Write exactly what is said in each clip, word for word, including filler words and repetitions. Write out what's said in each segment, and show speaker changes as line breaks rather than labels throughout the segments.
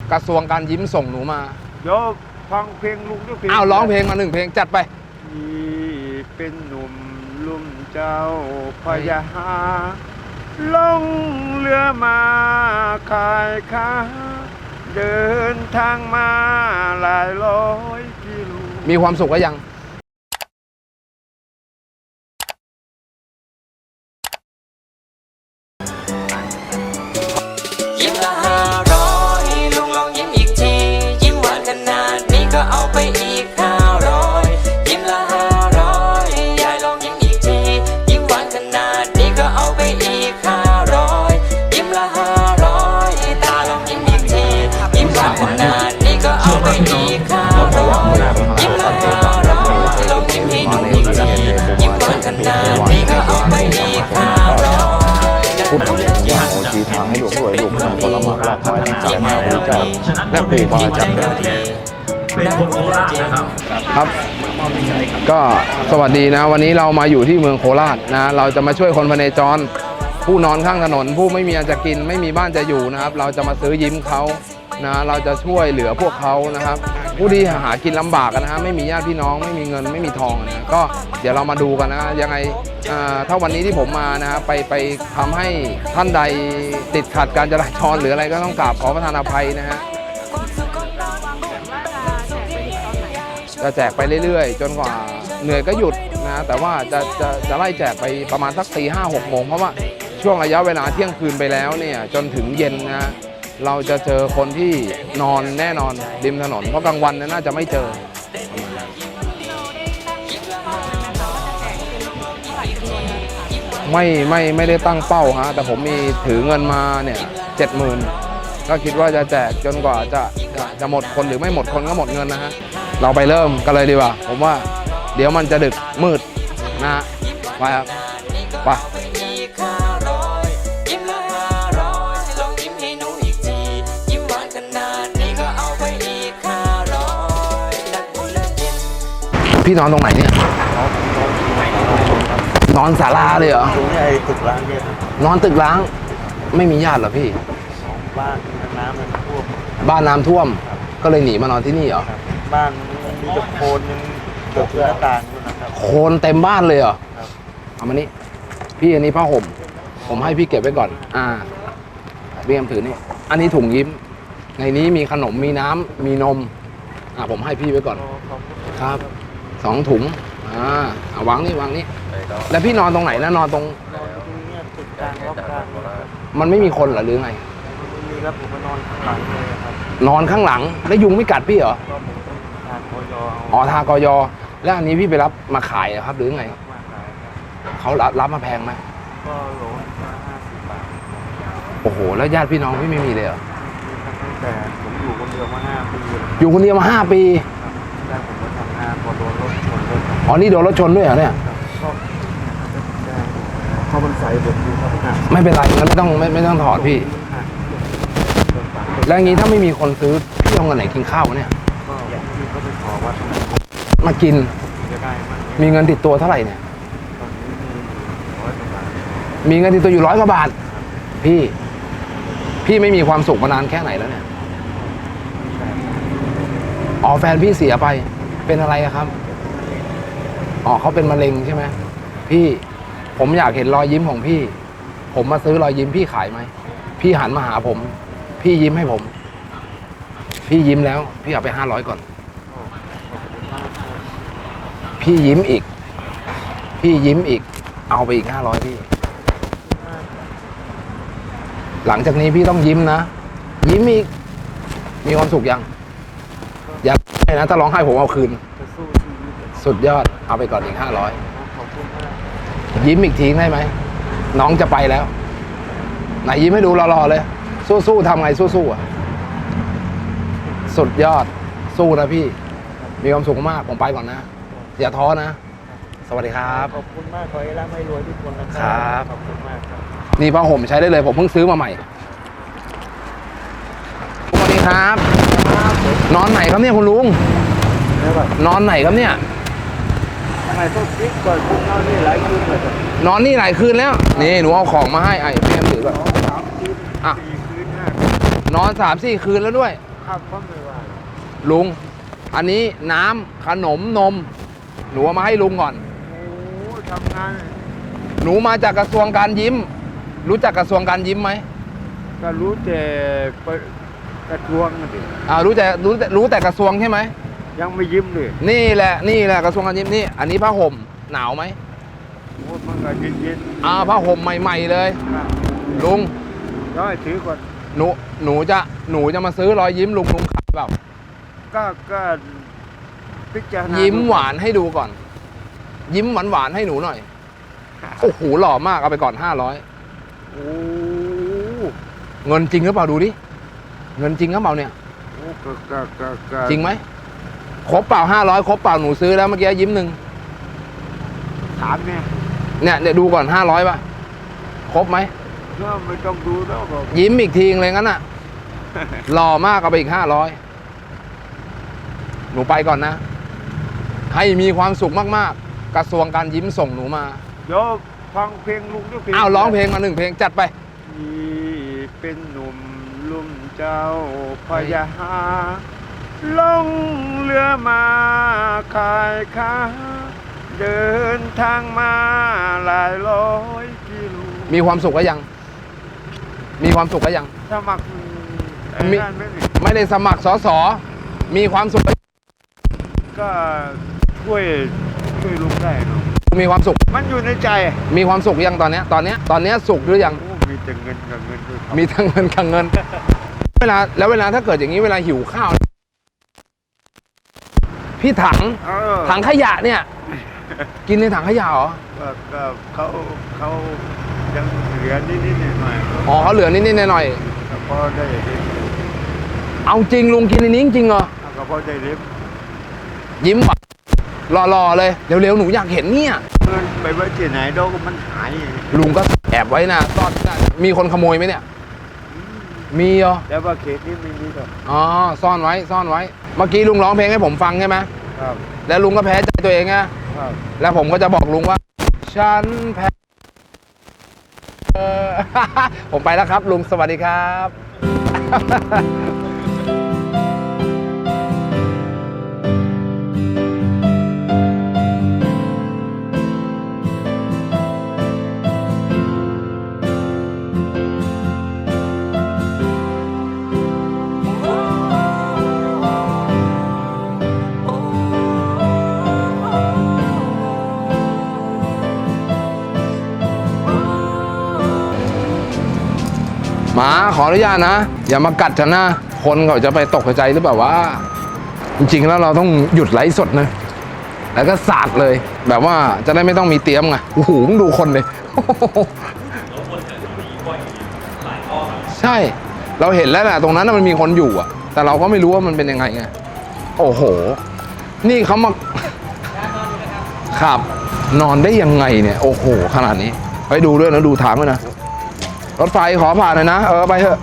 กระทรวงการยิ้มส่งหนูมา
เดี๋ยวฟังเพลงลุงด้วยเพลง
อ้าวร้องเพลงมาหนึ่งเพลงจัดไป
ที่เป็นหนุ่มลุ่มเจ้าพยาลงเรือมาขายค้าเดินทางมาหลายร้อยกิโล
มีความสุขก็ยัง
ยิ้มละห้าร้อยลุงลองยิ้มอีกทียิ้มหวานขนาดนี้ก็เอาไปอีกห้าร้อยยิ้มละห้าร้อยยายลองยิ้มอีกทียิ้มหวานขนาดนี้ก็เอาไปอีกห้าร้อยยิ้มละห้าร้อยตาลองยิ้มอีกทียิ้มหวานขนาดนี้ก็เอาไปอีกห้าร้อยยิ้มละห้าร้อยลองยิ้มให้หนูอีกทียิ้มหวานขนาดนี้ก็เอาไปอีกห้าร้อย
พูดถึงว่าโอจีทางให้หลวงรวยลูกนำผลไม้ราคาที่จ่ายมาบริจาคและปู่บาอาจารย์
เป็นคนโคราชนะครับ
ครับก็สวัสดีนะวันนี้เรามาอยู่ที่เมืองโคราชนะเราจะมาช่วยคนพเนจรผู้นอนข้างถนนผู้ไม่มีอันจะกินไม่มีบ้านจะอยู่นะครับเราจะมาซื้อยิ้มเขานะเราจะช่วยเหลือพวกเขานะครับผู้ที่หากินลำบากนะฮะไม่มีญาติพี่น้องไม่มีเงินไม่มีทองนะก็เดี๋ยวเรามาดูกันนะยังไงถ้าวันนี้ที่ผมมานะไปไปทำให้ท่านใดติดขัดการจราจรหรืออะไรก็ต้องกราบขอประทานอภัยนะฮะจะแจกไปเรื่อยๆจนกว่าเหนื่อยก็หยุดนะแต่ว่าจะจะจะไล่แจกไปประมาณสักตีห้าหกโมงเพราะว่าช่วงระยะเวลาเที่ยงคืนไปแล้วเนี่ยจนถึงเย็นนะเราจะเจอคนที่นอนแน่นอนริมถนนเพราะกลางวันน่าจะไม่เจอไม่ไม่ไม่ได้ตั้งเป้าฮะแต่ผมมีถือเงินมาเนี่ยเจ็ดหมื่นก็คิดว่าจะแจกจนกว่าจะจะจะหมดคนหรือไม่หมดคนก็หมดเงินนะฮะเราไปเริ่มกันเลยดีกว่าผมว่าเดี๋ยวมันจะดึกมืดนะฮะไปครับไปพี่นอนตรงไหนเนี่ยนอนศาลาเลยเหรอ
ตรงนี้ไอ้ตึกร้างเนี่ย
นอนตึกร้างไม่มีญาติเหรอพี่
บ้านน้ำมันท่วม
บ้านน้ำท่วมก็เลยหนีมานอนที่นี่เหรอ
บ้านมีแต่โคลนยังเกือบถึงหน้าต่างอยู่นะครับ
โคลนเต็มบ้านเลยเหรอเอามานี่พี่อันนี้ผ้าห่มผมให้พี่เก็บไว้ก่อนอ่าพี่แอมถือนี่อันนี้ถุงยิ้มในนี้มีขนมมีน้ำมีนมอ่าผมให้พี่ไว้ก่อนครับสองถุงอ่าเอาวางนี่วางนี่แล้วพี่นอนตรงไหนนะนอนตรงมันไม่มีคนเหรอหรือไง
มีครับผมมานอนข้างหลังเลยครับ
นอนข้างหลังแล้วยุงไม่กัดพี่เหรอ
ทากย
อ๋อทากยแล้วอันนี้พี่ไปรับมาขายครับหรือไงเขารับรับมาแพงไหม
ก็โลละห้าสิบบาท
โอ้โหแล้วญาติพี่น้องพี่ไม่มีเลยเหรอ
ตั้งแต่ผมอยู่คนเดียวมาห้าปี
อยู่คนเดียวมาห้าปี
แรกผมมาทำงานพอโดนรถชนด้วย
อ๋อนี่โดนรถชนด้วยเหรอเนี่ย
เขามันใส่แบบนี้ครับ
ไม่เป็นไรงั้นไม่ต้องไม่ไม่ต้องถอดพี่แล้วงี้ถ้าไม่มีคนซื้อพี่เอาเงินไหนกินข้าวเนี่ย
ก็พี่ก็ไปขอวัด
มากินมีเงินติดตัวเท่าไหร่เนี่ยมีเงินติดตัวอยู่ร้อยกว่าบาทพี่พี่ไม่มีความสุขมานานแค่ไหนแล้วเนี่ยอ๋อแฟนพี่เสียไปเป็นอะไรครับอ๋อเขาเป็นมะเร็งใช่ไหมพี่ผมอยากเห็นรอยยิ้มของพี่ผมมาซื้อรอยยิ้มพี่ขายไหมพี่หันมาหาผมพี่ยิ้มให้ผมพี่ยิ้มแล้วพี่เอาไปห้าร้อยก่อนพี่ยิ้มอีกพี่ยิ้มอีกเอาไปอีกห้าร้อยพี่หลังจากนี้พี่ต้องยิ้มนะยิ้มอีกมีความสุขยังอยากให้นะถ้าร้องไห้ผมเอาคืนสุดยอดเอาไปก่อนอีกห้าร้อยยิ้มอีกทีได้ไหมน้องจะไปแล้วไหนยิ้มให้ดูรอๆเลยสู้ๆทำไงสู้ๆอ่ะสุดยอดสู้นะพี่มีความสุขมากผมไปก่อนนะอย่าท้อนะสวัสดีครับ
ขอบคุณมากขอให้ร่ำให้รวยทุกคนนะครับขอบคุณมากครับ
นี่ผ้าห่มใช้ได้เลยผมเพิ่งซื้อมาใหม่สวัสดีครับนอนไหนครับเนี่ยคุณลุงนอนไหนครับเนี่ย
ทำไมต้องคิดก่อนคุณนอนนี่หลายคืนเลย
นอนนี่หลายคืนแล้วนี่หนูเอาของมาให้ไอ้พี่แอมถือก่อนอ่ะนอนสามสี่คืนแล้วด้วย
ครับก็ไม่ว่า
ลุง อันนี้น้ำขนมนม หนูเอามาให้ลุงก่อน
โอ้ทำงาน
หนูมาจากกระทรวงการยิ้ม รู้จักกระทรวงการยิ้มไหม
ก็รู้แต่กระทรวงนั่นเอง
อ่ารู้แต่รู้แต่รู้แต่กระทรวงใช่ไหม
ยังไม่ยิ้มเลย
นี่แหละนี่แหละกระทรวงการยิ้มนี่ อันนี้ผ้าห่มหนาวไหม
โอ้มันก็เย็นๆ
อ่าผ้าห่มใหม่ ๆเลย
ครับ
ลุง
ร้อยถือก่อน
หนูหนูจะหนูจะมาซื้อรอยยิ้มลุงลุงขายเปล่า
ก็ก็พิจารณา
ยิ้ม
ดู
หวานให้ดูก่อน ยิ้มหวานหวานๆให้หนูหน่อยโอ้โหหล่อมากเอาไปก่อนห้าร้อย
โอ้
เงินจริงหรือเปล่าดูดิเงินจริงหรือเปล่าเนี่ย
โอ้ก็ก็ก็ก็
จริงไหมครบเปล่าห้าร้อยครบเปล่าหนูซื้อแล้วเมื่อกี้ยิ้มหนึ่ง
ถามเนี่ย
เนี่ยเดี๋ยวดูก่อนห้าร้อยป่ะครบไหม
ก็ไม่ต้องดูแล้วก็
ยิ้มอีกทีเลยงั้นอ่ะ หล่อมากเอาไปอีกห้าร้อยหนูไปก่อนนะ ให้มีความสุขมากๆ กระทรวงการยิ้มส่งหนูมา
เดี๋ยวฟังเพลงลุงด้วยเพลง
อ้าวร้องเพลงมาหนึ่งเพลงจัดไป
ที่เป็นหนุ่มลุ่มเจ้าพยาหาลงเรือมาขายค้าเดินทางมาหลายร้อยกิโล
มีความสุขก็ยัง มีความสุขก็ยัง
สมัครไอ้
มี
นั่นไหมนี่
ไม่ได้สมัครสสมีความสุขก็
ก็ช่วยช่วยลุงได้เนาะ
มีความสุข
มันอยู่ในใจ
มีความสุขยังตอนเนี้ยตอนเนี้ยตอนเนี้ยสุขหรือยัง
โอ้มีแต่เงินกับเงินด้วยครับ
มีทั้งเงินกับเงิน เวลาแล้วเวลาถ้าเกิดอย่างนี้เวลาหิวข้าว พี่ถัง
เออ
ถังขยะเนี่ย กินในถังขยะเหรอ
ก็ก็เขาเขายังเหลือนิดๆหน่อยๆ
อ๋อเขาเหลือนิดๆหน่อย
ก็พอได้เล็บ
ๆเอาจริงลุงกินในนี้จริงเหรอ
ก็พอได้เล็บ
ยิ้มหวานหล่อๆเลยเร็วๆหนูอยากเห็นเนี่ย
เงินไปไว้ที่ไหนดอกมันหาย
ลุงก็แอบไว้นะซ่อนได้มีคนขโมยไหมเนี่ย มีเหรอ
แต่ว่าเขตนี้ไม่มีหรอก
อ๋อซ่อนไว้ซ่อนไว้ เมื่อกี้ลุงร้องเพลงให้ผมฟังใช่ไหม
ครับ
แล้วลุงก็แพ้ใจตัวเองไง
ครับ
แล้วผมก็จะบอกลุงว่า ฉันแพ้ เออ ผมไปแล้วครับ ลุงสวัสดีครับ หมาขออนุญาตนะ อย่ามากัดฉันนะ คนเขาจะไปตกใจหรือเปล่าว่า จริงๆแล้วเราต้องหยุดไลฟ์สดนะ แล้วก็สาดเลย แบบว่าจะได้ไม่ต้องมีเตรียมไงโอ้โหมึงดูคนเลย ใช่ เราเห็นแล้วแหละตรงนั้นนะมันมีคนอยู่อะแต่เราก็ไม่รู้ว่ามันเป็นยังไงไงโอ้โห นี่เขามาครับ นอนได้ยังไงเนี่ย โอ้โห ขนาดนี้ไปดูด้วยนะดูทางด้วยนะรถไฟขอผ่านหน่อยนะ เออไปเถอะ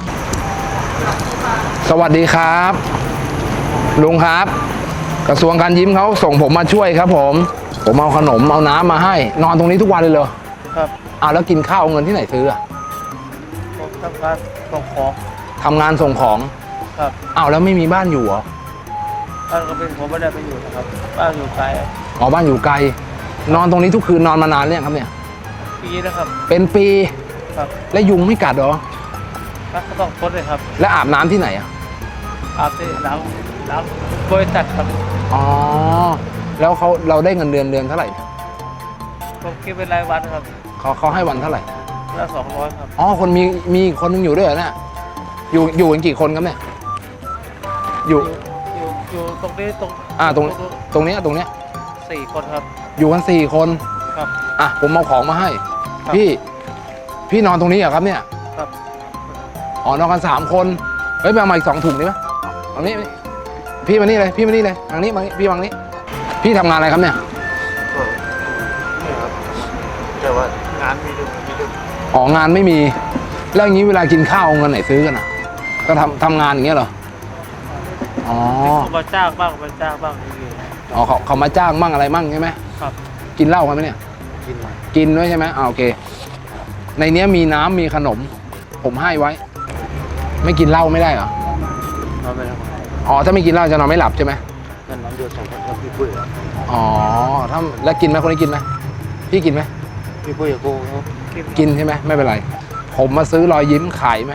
สวัสดีครับ ลุงครับ กระทรวงการยิ้มเขาส่งผมมาช่วยครับ ผม ผมเอาขนมเอาน้ำมาให้ นอนตรงนี้ทุกวันเลยเหรอ
ครับ
อ้าวแล้วกินข้าวเอาเงินที่ไหนซื้ออะ
ผมทำการส่งของ
ทำงานส่งของ
ครับ
อ้าวแล้วไม่มีบ้านอยู่เหรอ
บ้านก็เป็นผมไม่ได้ไปอยู่นะครับบ้านอยู่ไกล
อ๋อบ้านอยู่ไกล นอนตรงนี้ทุกคืนนอนมานานหรือยังครับเนี่ย
ปีนะครับ
เป็นปี
ครับ
แล้วยุงไม่กัดเหรอ
ก็ต้องพ้นเลยครับ
แล้วอาบน้ำที่ไหนอะ
อาบที่ล้างล้างบริษัทครับ
อ๋อแล้วเขาเราได้เงินเดือนเดือนเท่าไหร่
ผมคิดเป็นรายวันครับ
เขาเขาให้วันเท่าไหร่
ละสองร้อยครับ
อ๋อคนมีมีอีกคนนึงอยู่ด้วยเหรอเนี่ยอยู่อยู่กันกี่คนครับเนี่ยอยู่
อยู่อยู่ตรงนี้ตรง
อ่าตรงตรงเนี้ยตรงเนี้ย
สี่คนครับ
อยู่กันสี่คน
ครับ
อ่ะผมเอาของมาให้
ครับ
พี่พี่นอนตรงนี้เหรอครับเนี่ย
ครับ
อ๋อนอนกันสามคนเฮ้ยไปเอามาอีกสองถุงดีไหมตรงนี้พี่มานี่เลยพี่มานี่เลยทางนี้มานี่พี่วางนี้ พี่ทำงานอะไรครับเนี่ย
ก็นี่ครับแต่ว่างานมีดึงมีดึง
อ๋องานไม่มีแล้วอย่างนี้เวลากินข้าวเอาเงินไหนซื้อกันอ่ะ ก็ทำทำงานอย่างเงี้ยเหรออ๋อ
เขามาจ้างบ้างมาจ้างบ้างนี่
อ๋อเขาเขามาจ้างมั่งอะไรมั่งใช่ไหม
ครับ
กินเหล้ากันไหมเนี่ย
กินมา
กินด้วยใช่ไหมอ่าโอเค ในเนี้ยมีน้ำมีขนม ผมให้ไว้ ไม่กินเหล้าไม่ได้เหรอ
คอนไม่หลับ
อ๋อถ้าไม่กินเหล้าจะนอนไม่หลับใช่ไหม
นั่นน้ำเดือดสองคนครับพี่ปุ้ยครับ
อ๋อถ้าแล้วกินไหมคนนี้กินไหมพี่กินไหม
พี่ปุ้ยกับโก้เขา
กินใช่ไหมไม่เป็นไร ผมมาซื้อรอยยิ้มขายไหม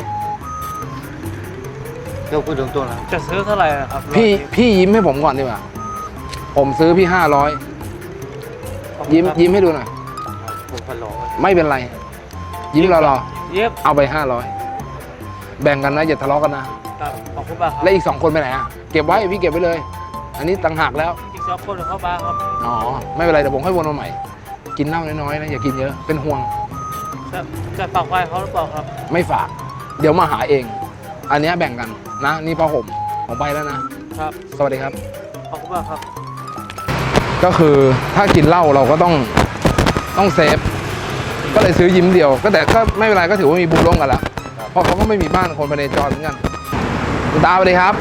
เจ้าพูดตรงๆนะ
จะซื้อเท่าไหร่ครับ
พี่พี่ยิ้มให้ผมก่อนดีกว่าผมซื้อพี่ห้าร้อยยิ้มยิ้มให้ดูหน่อย
ผมพันร้อย
ไม่เป็นไร ยิ้มรอรอ
เย็บ
เอาไปห้าร้อยแบ่งกันนะอย่าทะเลาะกันนะ
ครับขอบคุณมากครับ
แล้วอีกสองคนไปไหนอ่ะเก็บไว้พี่เก็บไว้เลย อันนี้ต่างหากแล้ว
อีกสองคนเข้ามาครับ
อ๋อไม่เป็นไรเดี๋ยวผมค่อยวนมาใหม่ กินเหล้าน้อยๆนะอย่ากินเยอะเป็นห่วง
จะจะฝากไว้เขาหรือเปล่าครับ
ไม่ฝาก เดี๋ยวมาหาเอง อันเนี้ยแบ่งกันนะนี่ผ้าห่มผมไปแล้วนะ
ครับ
สวัสดีครับ
ขอบคุณมากครับ
ก็คือถ้ากินเหล้าเราก็ต้องต้องเซฟก็เลยซื้อยิ้มเดียว ก็แต่ก็ไม่เป็นไรก็ถือว่ามีบุญร่วมกันละเพราะเขาก็ไม่มีบ้านคนไปในจรเหมือนกันคุณตาสวัสดีครับ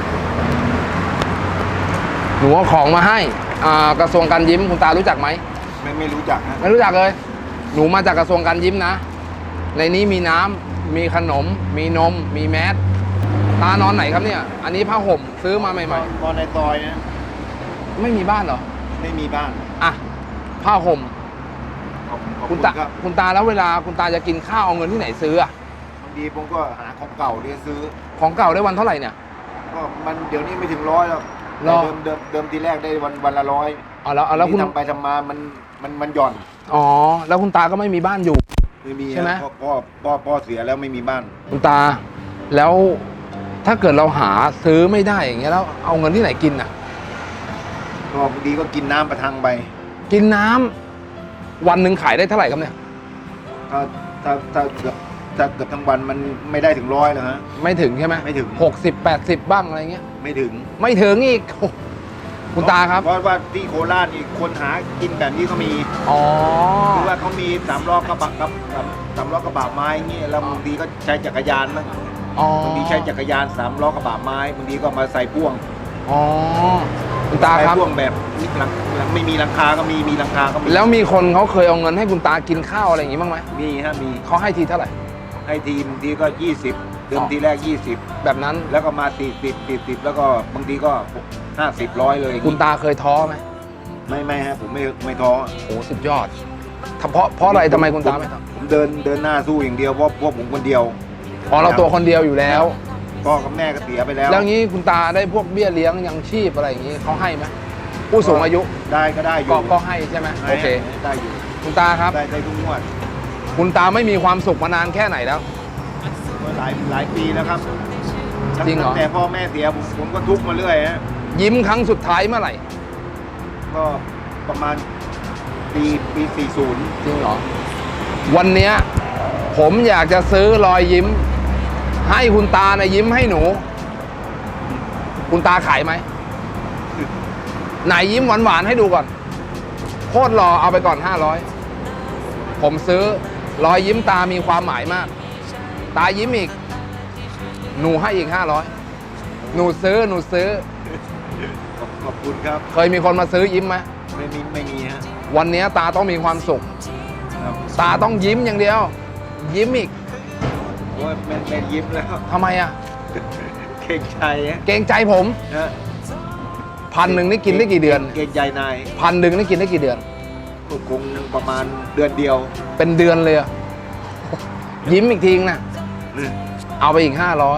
หนูเอาของมาให้อ่ากระทรวงการยิ้มคุณตารู้จักไหม
ไม่ไม่รู้จักนะ
ไม่รู้จักเลย หนูมาจากกระทรวงการยิ้มนะ ในนี้มีน้ำมีขนม มีนม มีแมสตานอนไหนครับเนี่ย อันนี้ผ้าห่มซื้อมาใหม่
ตอนในซอยนะ
ๆ ไม่มีบ้านเหรอ
ไม่มีบ้าน
อ่ะผ้าห่ม
ขอบขอบ
คุ
คุณ ณ
ตา
ครับ
คุณตาแล้วเวลาคุณตาจะกินข้าวเอาเงินที่ไหนซื้ออะ
บางทีผมก็หาของเก่าเรียซื้อ
ของเก่าได้วันเท่าไหร่เนี่ย
ก็มันเดี๋ยวนี้ไม่ถึงร้อยแล้ว
หรอ
เดิมเดิมเดิมทีแรกได้วันวันละร้อย
อ๋อแล้วเอาแล้วคุณ
ทำไปทำมามันมันมันหย่อน
อ๋อแล้วคุณตาก็ไม่มีบ้านอยู่
ไม่มี
ใช่ไหม
ฮะพ่อพ่อพ่อพ่อเสียแล้วไม่มีบ้าน
คุณตา แล้วถ้าเกิดเราหาซื้อไม่ได้อย่างเงี้ยแล้วเอาเงินที่ไหนกินอ่ะ
ก็บางทีก็กินน้ำประทังไป
กินน้ำวันหนึ่งขายได้เท่าไหร่ครับเนี่ย
ถ้าถ้าถ้าเกือบถ้าเกือบทั้งวันมันไม่ได้ถึงร้อยแล้วฮะ
ไม่ถึงใช่ไหม
ไม่ถึง
หกสิบแปดสิบบ้างอะไรเงี้ย
ไม่ถึง
ไม่ถึงอีกโอ้คุณตาครับ
เพราะว่าที่โคราชนี่คนหากินแบบนี้ก็มี
อ๋อ
คือว่าเขามีสามล้อกระบะกับสามสามล้อกระบะไม้เงี้ยแล้วบางทีก็ใช้จักรยานมั้ง
อ๋อบ
างทีใช้จักรยานสามล้อกระบะไม้บางทีก็มาใส่พ่วง
อ๋อคุณตา
ใส่
ครับ
พ่วงแบบมีหลังไม่มีหลังคาก็มีมีหลังคาก็มี
แล้วมีคนเขาเคยเอาเงินให้คุณตากินข้าวอะไรอย่างงี้บ้างไหม
มีฮะมี
เขาให้ทีเท่าไหร่
ให้ทีบางทีก็ยี่สิบเดิมทีแรกยี่สิบ
แบบนั้น
แล้วก็มาสี่สิบสี่สิบแล้วก็บางทีก็ห้าสิบร้อยเลย
คุณตาเคยท้อไหม
ไม่ไม่ฮะผมไม่ไม่ท้อ
โอ้สุดยอดถ้าเพราะเพราะอะไรทำไมคุณตาไม่ท้อ
ผมเดินเดินหน้าสู้อย่างเดียวเพราะเพราะผมคนเดียว
อ๋อเราตัวคนเดียวอยู่แล้ว
พ่อกับแม่ก็เสียไปแล้ว
แล้วงี้คุณตาได้พวกเบี้ยเลี้ยงยังชีพอะไรอย่างงี้เขาให้ไหมผู้สูงอายุ
ได้ก็ได้อยู่
ก็ก็ให้ใช่ไหม
ได้
โอเค
ได้อยู่
คุณตาครับ
ได้ได้ทุกงวด
คุณตาไม่มีความสุขมานานแค่ไหนแล้ว
ก็หลายหลายปีแล้วครับ
จริงเหรอ
ตั้แต่พ่อแม่เสียผมผมก็ทุกข์มาเรื่อยฮะ
ยิ้มครั้งสุดท้ายเมื่อไหร่
ก็ประมาณปีปีสี่สิบ
จริงเหรอวันเนี้ยผมอยากจะซื้อรอยยิ้ม ให้คุณตานะยิ้มให้หนู คุณตาขายไหมไหนยิ้มหวานๆให้ดูก่อนโคตรรอเอาไปก่อนห้าร้อยผมซื้อรอยยิ้มตามีความหมายมาก ตายิ้มอีก หนูให้อีกห้าร้อยหนูซื้อหนูซื้อ
ขอบคุณครับ
เคยมีคนมาซื้อยิ้มไหม
ไม่มีไม่มีฮะ
วันนี้ตาต้องมีความสุข
ครับ
ตาต้องยิ้มอย่างเดียว ยิ้มอีก
โอ้ยแม่แม่ยิ้มแล้ว
ทำไมอ่ะ
เก่งใจฮะ
เกรงใจผม
ฮะ
พันหนึ่งนี่กินได้กี่เดือน
เก่งใจนาย
พันหนึ่งนี่กินได้กี่เดือน
ก็คงประมาณเดือนเดียว
เป็นเดือนเลยอะยิ้มอีกทีนะเอาไปอีกห้าร้อย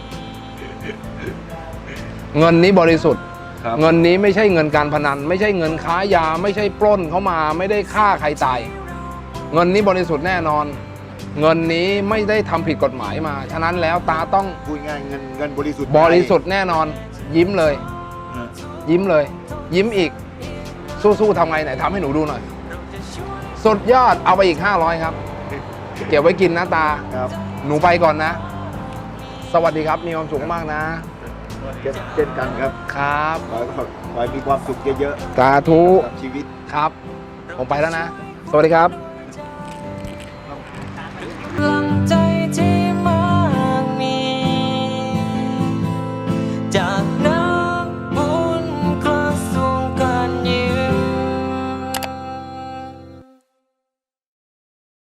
เงินนี้บริสุทธิ์
ครับ
เงินนี้ไม่ใช่เงินการพนัน ไม่ใช่เงินค้ายา ไม่ใช่ปล้นเขามา ไม่ได้ฆ่าใครตาย เงินนี้บริสุทธิ์แน่นอน เงินนี้ไม่ได้ทำผิดกฎหมายมา ฉะนั้นแล้วตาต้อง
พูดง่ายเงินเงินบริสุทธิ์
บริสุทธิ์แน่นอน ยิ้มเลย
ฮะ
ยิ้มเลย ยิ้มอีก สู้ๆทำไงไหนทำให้หนูดูหน่อย สุดยอดเอาไปอีกห้าร้อยครับ เก็บไว้กินนะตา
ครับ
หนูไปก่อนนะ สวัสดีครับมีความสุขมากนะ
เช่นกันครับ
ครับ
ขอให้ขอให้มีความสุขเยอะ
สาธุ
ๆกับชีวิต
ครับ ผมไปแล้วนะ สวัสดีครับ